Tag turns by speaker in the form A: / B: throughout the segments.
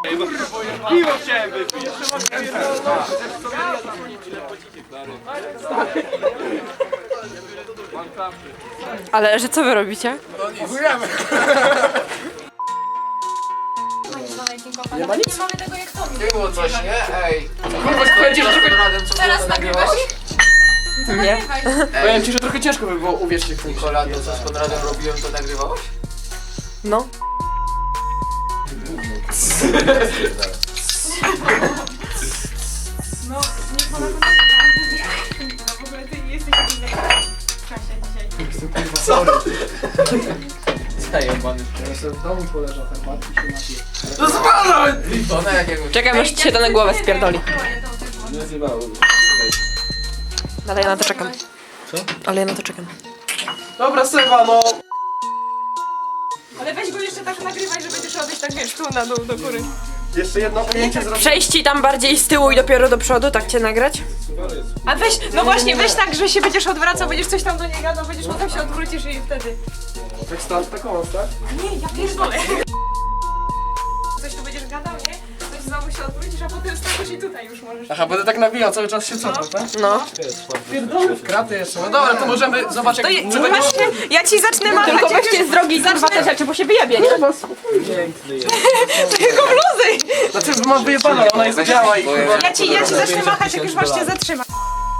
A: Piwo chciałem wypić.
B: Ale że co wy robicie?
C: Nie ma nic? Nie mamy tego jak to.
D: Nie było coś, nie? Ej.
C: Teraz nagrywasz ich?
B: Nie.
A: Powiem ci, że trochę ciężko by było uwierzyć w tym.
D: Kolado, co z Konradem robiłem, to nagrywałeś?
B: No.
C: No, nie ponad w ogóle ty nie jesteś taki w czasie dzisiaj.
A: Sorry.
D: Zajebany.
A: Ja sobie w domu poleżał herbatki i się napiję.
D: To zwalaj! Litona jakiegoś.
B: Czekam aż ci się to na głowę spierdoli. Ale ja na to czekam.
A: Co?
B: Ale ja na to czekam.
A: Dobra, Sewa, no.
C: Ale weź go jeszcze tak nagrywaj, że będziesz robić tak wiesz, tu na dół, do góry.
A: Jeszcze jedno ujęcie zrobię.
B: Przejść ci tam bardziej z tyłu i dopiero do przodu, tak cię nagrać?
C: A weź, no właśnie, weź tak, że się będziesz odwracał, będziesz coś tam do niej gadał, będziesz potem się odwrócisz i wtedy.
A: Tak stąd, taką, tak?
C: Nie, ja pierdolę. Coś tu będziesz gadał, nie? Coś znowu się odwrócisz, a potem stawisz i tutaj już możesz.
A: Aha, będę tak nawijał, cały czas się cofam, tak?
B: No.
A: Pierdolę w kraty jeszcze. No dobra, to możemy zobaczyć
C: To
A: jak...
C: je, właśnie, ja ci zacznę machać.
B: Tylko
C: jak
B: weźcie
C: już
B: z drogi kurwa te rzeczy, bo się wyjebie, nie?
C: Tylko bluzy.
A: Znaczy, mam wyjebane, ale ona jest biała i kurwa...
C: Ja ci zacznę machać, jak już masz się zatrzymać.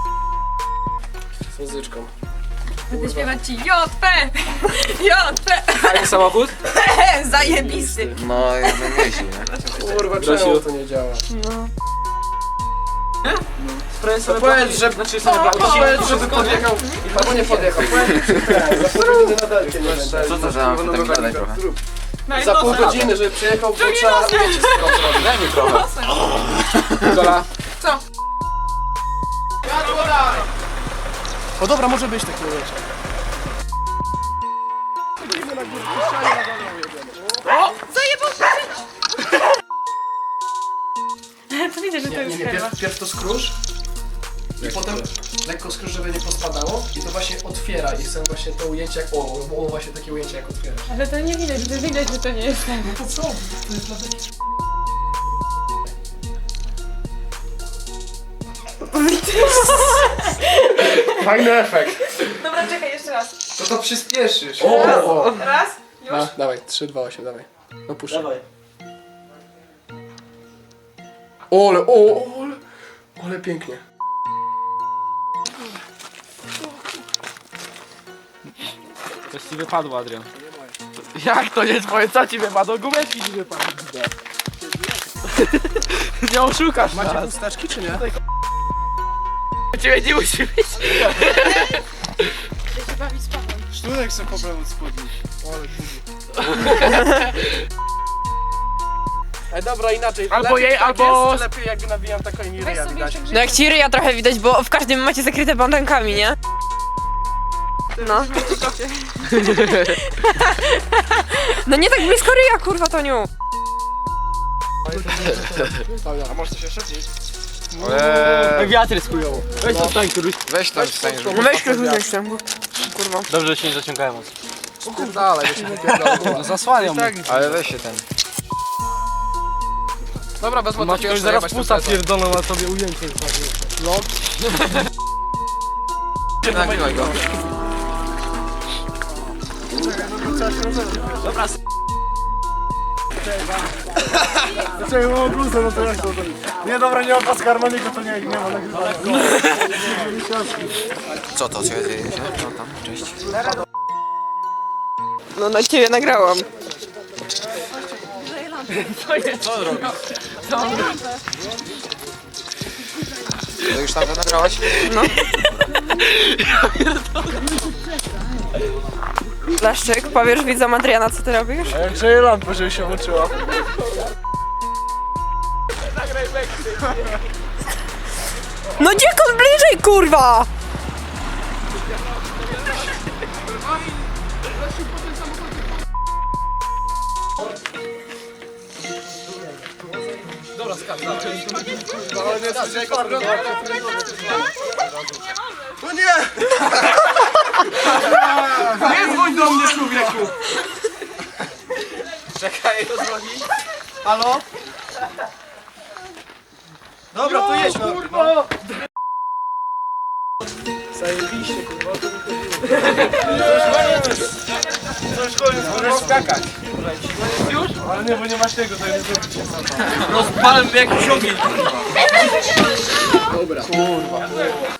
A: Z muzyczką.
C: Będę śpiewać ci JP! JP!
A: Fajny samochód?
C: Zajebisty!
D: No, ja bym jeździł, nie?
A: Kurwa, czemu to nie działa?
B: No.
A: To powiedz, że... Znaczy, powiedz, żeby podjechał... Albo nie podjechał. Powiedz, że ten, za pół godziny na delcie nie będę.
D: Co to za mam tak gadać trochę?
A: Za pół godziny, żeby przyjechał, bo trzeba ujęcie zrobić.
D: Daj mi trochę.
A: Gola.
C: Co?
A: O dobra, może być takie ujęcie.
C: Zajebał To widzę, że to jest
A: Nie, pierw to skróż i potem lekko skróż, żeby nie pospadało i to właśnie otwiera i chcę właśnie to ujęcie jak... O, właśnie takie ujęcie jak otwierasz.
C: Ale to nie widać, że to nie jest ten.
A: No to co? To jest dla mnie... Fajny efekt.
C: Dobra, czekaj, jeszcze raz.
D: To przyspieszysz.
A: O!
C: Raz, już.
A: No, dawaj, 3, 2, 8, dawaj. No puszczaj. Dawaj. Ole pięknie.
E: Coś ci wypadło, Adrian. Jak to nie twoje? Co ci wypadło? Gumeczki ci wypadły. Nie oszukasz
A: Macie
E: nas.
A: chusteczki czy nie?
E: Ciebie nie musi być.
A: Sztunek sobie pobrał od spodni. Ej, dobra, inaczej.
E: Albo
A: lepiej
E: jej,
A: tak
E: albo-
A: Jest, lepiej jakby nawijam taką i
C: Weź
A: ryja
C: sobie
A: widać.
C: jeszcze
B: No jak ci ryja trochę widać, bo w każdym macie zakryte bandankami, nie? No. No nie tak blisko ryja, kurwa, Toniu.
A: A może coś jeszcze?
E: Wiatr jest chujowo. Weź to stań, któryś.
D: Weź tam wstań, żeby...
B: No weź ktoś jeszcze, kurwa.
E: Dobrze, że się nie zaciągałem.
A: Dalej, się wypierdolę.
E: Zasłaniam mu.
D: Ale weź się ten.
A: Dobra, wezmę
E: Masz
A: takie
E: ktoś
A: jeszcze,
E: zaraz
A: jebać
E: pusa
A: ten plecak.
E: pierdolą na sobie ujęcie.
D: Nagrywaj go.
A: Czekaj, mam bluzę, no to jak to? Nie, dobra, nie ma paska harmoniku, to nie ma nagrywania.
D: Co to? Co dzieje się? Co tam? Cześć.
B: No na ciebie nagrałam.
D: To już tam to nagrałaś?
B: Blaszczyk, powiesz widzom Adriana, co ty robisz?
A: A jak grzeje lampę, żeby się uczyła.
B: No dziekon bliżej, kurwa!
A: No nie! Nie dzwoń do mnie, człowieku!
D: Czekaj, to dzwoni.
A: Halo? Dobra, to jedź no.
E: Kurwa!
A: Zajebiście, kurwa, to mi chodziło.
E: To już koniec, możesz skakać. Już?
A: Ale nie, bo nie masz tego, to nie zrobicie.
E: Rozpalam jak ogień.
A: Dobra. Kurwa.